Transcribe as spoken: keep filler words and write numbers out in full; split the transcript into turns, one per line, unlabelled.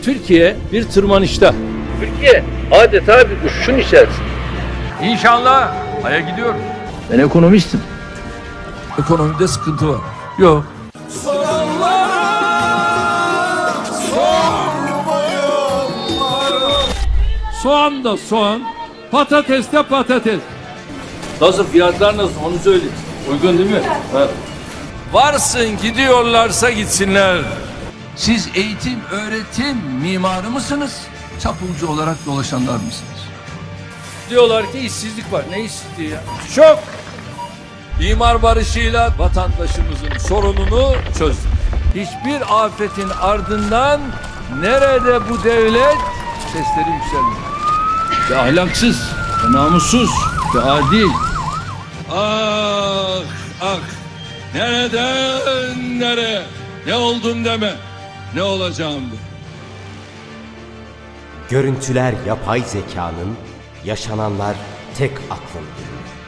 Türkiye bir tırmanışta. Türkiye adeta bir uçuşun içerisinde.
İnşallah Ay'a gidiyoruz.
Ben ekonomistim.
Ekonomide sıkıntı var. Yok. Soğan da soğan, patates de patates.
Nasıl, fiyatlar nasıl onu söyle. Uygun değil mi? Ha.
Varsın gidiyorlarsa gitsinler. Siz eğitim, öğretim mimarı mısınız? Çapulcu olarak dolaşanlar mısınız?
Diyorlar ki işsizlik var. Ne işsizliği ya?
Çok. İmar barışıyla vatandaşımızın sorununu çözdük. Hiçbir afetin ardından nerede bu devlet sesleri yükselmiyor.
Ve ahlaksız, ve namussuz, ve adil.
Ah ah, nereden nereye, ne oldum deme, ne olacağım de.
Görüntüler yapay zekanın, yaşananlar tek aklın ürünü.